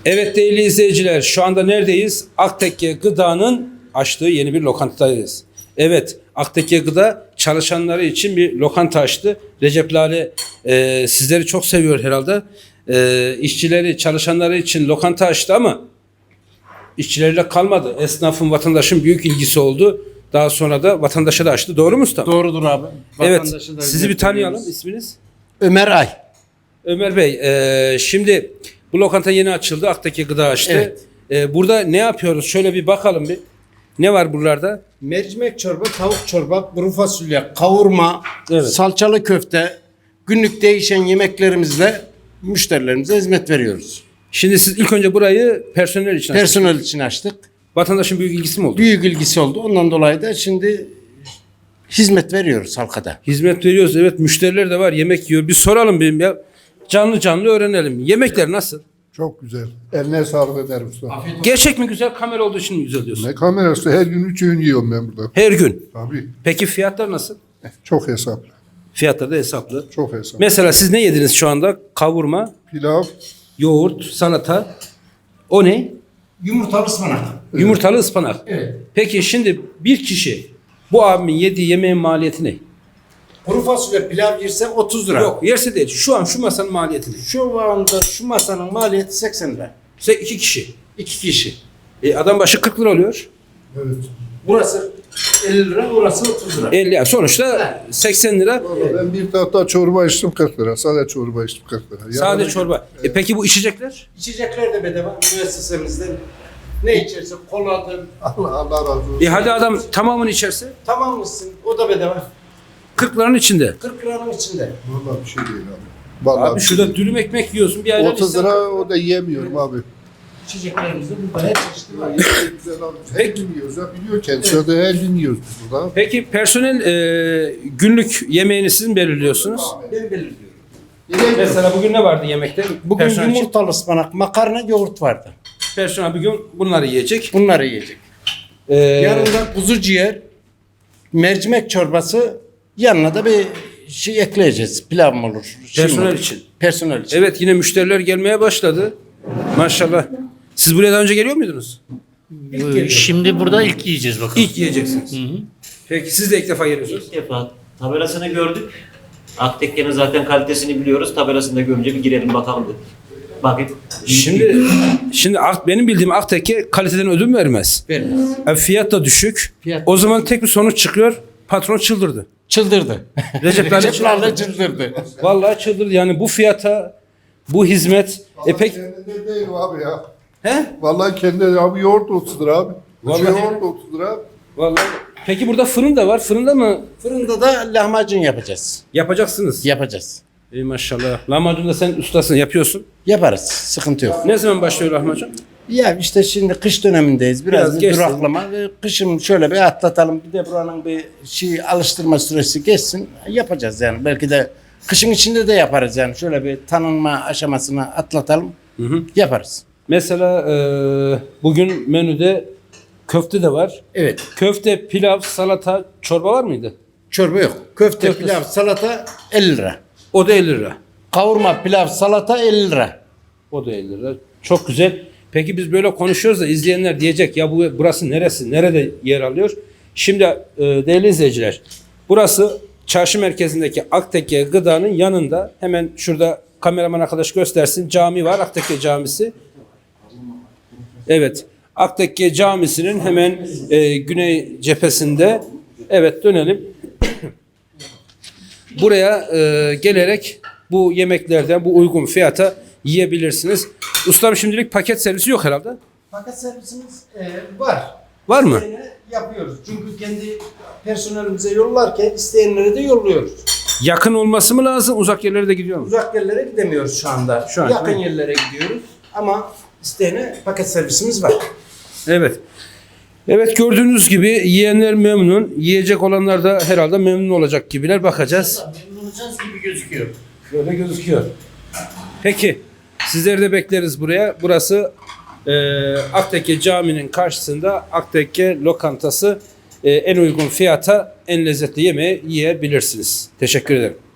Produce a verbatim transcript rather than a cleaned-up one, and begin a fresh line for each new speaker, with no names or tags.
Evet değerli izleyiciler, şu anda neredeyiz? Aktekke Gıda'nın açtığı yeni bir lokantadayız. Evet, Aktekke Gıda çalışanları için bir lokanta açtı. Recep Lale e, sizleri çok seviyor herhalde. E, işçileri, çalışanları için lokanta açtı ama işçileriyle kalmadı. Esnafın, vatandaşın büyük ilgisi oldu. Daha sonra da vatandaşa da açtı. Doğru mu usta?
Doğrudur abi.
Evet, sizi bir tanıyalım. İsminiz?
Ömer Ay.
Ömer Bey, e, şimdi bu lokanta yeni açıldı. Aktekke Gıda açtı.
Evet.
E, burada ne yapıyoruz? Şöyle bir bakalım bir. Ne var buralarda?
Mercimek çorba, tavuk çorba, kuru fasulye, kavurma,
Evet.
salçalı köfte, günlük değişen yemeklerimizle müşterilerimize hizmet veriyoruz.
Şimdi siz ilk önce burayı personel için açtınız.
Personel için açtık.
Vatandaşın büyük ilgisi mi oldu?
Büyük ilgisi oldu. Ondan dolayı da şimdi hizmet veriyoruz halkada.
Hizmet veriyoruz. Evet, müşteriler de var. Yemek yiyor. Bir soralım benim ya. Canlı canlı öğrenelim. Yemekler nasıl?
Çok güzel. Eline sağlık ederim usta.
Gerçek mi güzel? Kamera olduğu için mi güzel diyorsun?
Ne kamerası? Her gün üç öğün yiyorum ben burada.
Her gün.
Tabii.
Peki fiyatlar nasıl?
Çok hesaplı.
Fiyatlar da hesaplı.
Çok hesaplı.
Mesela siz ne yediniz şu anda? Kavurma,
Pilav,
yoğurt, salata. O ne?
Yumurtalı ıspanak.
Yumurtalı ıspanak.
Evet.
Peki şimdi bir kişi bu abimin yediği yemeğin maliyeti ne?
Kuru fasulye pilav yerse otuz lira.
Yok, yerse değil. Şu an şu masanın maliyeti ne?
Şu anda şu masanın maliyeti seksen lira.
Size iki kişi.
İki kişi.
E, adam başı kırk lira oluyor.
evet.
Burası elli lira, burası otuz lira.
elli yani sonuçta seksen lira.
Vallahi ben bir tahta çorba içtim kırk lira. Sadece çorba içtim kırk lira.
Sadece
Yani-
çorba. E, peki bu içecekler?
İçecekler de bedava müessesemizden. Ne içerse koladır.
Allah, Allah razı olsun.
E hadi adam tamamını içerse
Tamam mısın? O da bedava.
kırk liranın içinde.
kırk liranın içinde.
Vallahi bir şey değil abi. Vallahi
Abi
bir
şurada
şey
dürüm ekmek yiyorsun bir
değil.
ayran
otuz
içsen-
lira o da yiyemiyorum abi.
İçeceklerimiz de burada her çeşitli var.
Güzel abi. Her gün yiyoruz ya biliyor kendisi. Evet. Her gün yiyoruz biz burada.
Peki personel e, günlük yemeğini siz mi belirliyorsunuz?
Ben belirliyorum.
Mesela bugün ne vardı yemekte?
Bugün
personel için?
yumurtalı ıspanak, makarna, yoğurt vardı.
Personel bugün bunları yiyecek.
Bunları yiyecek.
E,
Yarın da kuzu ciğer, mercimek çorbası, yanına da bir şey ekleyeceğiz. Pilav mı olur? şey mi
Personel
olur?
için.
Personel için.
Evet, yine müşteriler gelmeye başladı. Maşallah. Siz buraya daha önce geliyor muydunuz?
Ee, Şimdi burada ilk yiyeceğiz bakalım.
İlk yiyeceksiniz. Peki siz de ilk defa geliyorsunuz.
İlk defa tabelasını gördük. Aktekke'nin zaten kalitesini biliyoruz. Tabelasını da görünce bir girelim bakalım dedik. Bakın.
Şimdi şimdi Ak- benim bildiğim Aktekke kaliteden ödün vermez.
Vermez.
E, fiyat da düşük.
Fiyat-
O zaman tek bir sonuç çıkıyor. Patron çıldırdı.
Çıldırdı.
Recep Lale
Recep Lale çıldırdı.
Vallahi çıldırdı. Yani bu fiyata, bu hizmet. E pek
Kendinde değil abi ya.
he?
Vallahi kendi abi yoğurt otuz lira abi.
Vallahi-
Vallahi yoğurt otuz lira abi.
Vallahi. Peki burada fırın da var. Fırında mı
Fırında da lahmacun yapacağız.
yapacaksınız?
Yapacağız.
Ey maşallah. Lahmacun da sen ustasın, yapıyorsun.
Yaparız. Sıkıntı yok.
Ne zaman başlıyor lahmacun?
Ya işte şimdi kış dönemindeyiz. Biraz,
Biraz
bir
geçsin.
duraklama. Ve kışın şöyle bir atlatalım. Bir de buranın bir şey alıştırma süresi geçsin. Yapacağız yani. Belki de kışın içinde de yaparız yani. Şöyle bir tanınma aşamasını atlatalım. Yaparız.
Mesela e, bugün menüde köfte de var.
Evet.
Köfte, pilav, salata, çorba var mıydı?
Çorba yok. Köfte,
Köfte.
pilav, salata elli lira.
O da elli lira.
Kavurma, pilav, salata elli lira.
O da elli lira. Çok güzel. Peki biz böyle konuşuyoruz da izleyenler diyecek ya bu burası neresi? Nerede yer alıyor? Şimdi e, değerli izleyiciler, burası çarşı merkezindeki Aktekke Gıda'nın yanında. Hemen şurada kameraman arkadaş göstersin. Cami var. Aktekke Camisi. Evet. Aktekke Camisi'nin hemen e, güney cephesinde. Evet, dönelim. Buraya e, gelerek bu yemeklerden bu uygun fiyata yiyebilirsiniz. Ustam şimdilik paket servisi yok herhalde.
Paket servisimiz e, var.
Var mı?
İsteyene yapıyoruz. Çünkü kendi personelimize yollarken isteyenlere de yolluyoruz.
Yakın olması mı lazım? Uzak yerlere de gidiyor mu?
Uzak yerlere gidemiyoruz şu anda.
Şu an,
Yakın
değil mi?
yerlere gidiyoruz. Ama isteyene paket servisimiz var.
Evet. Evet, gördüğünüz gibi yiyenler memnun. Yiyecek olanlar da herhalde memnun olacak gibiler. Bakacağız.
Memnun olacağız gibi gözüküyor.
Şöyle gözüküyor. Peki. Sizleri de bekleriz buraya. Burası e, Aktekke Camii'nin karşısında Aktekke Lokantası. E, en uygun fiyata en lezzetli yemeği yiyebilirsiniz. Teşekkür ederim.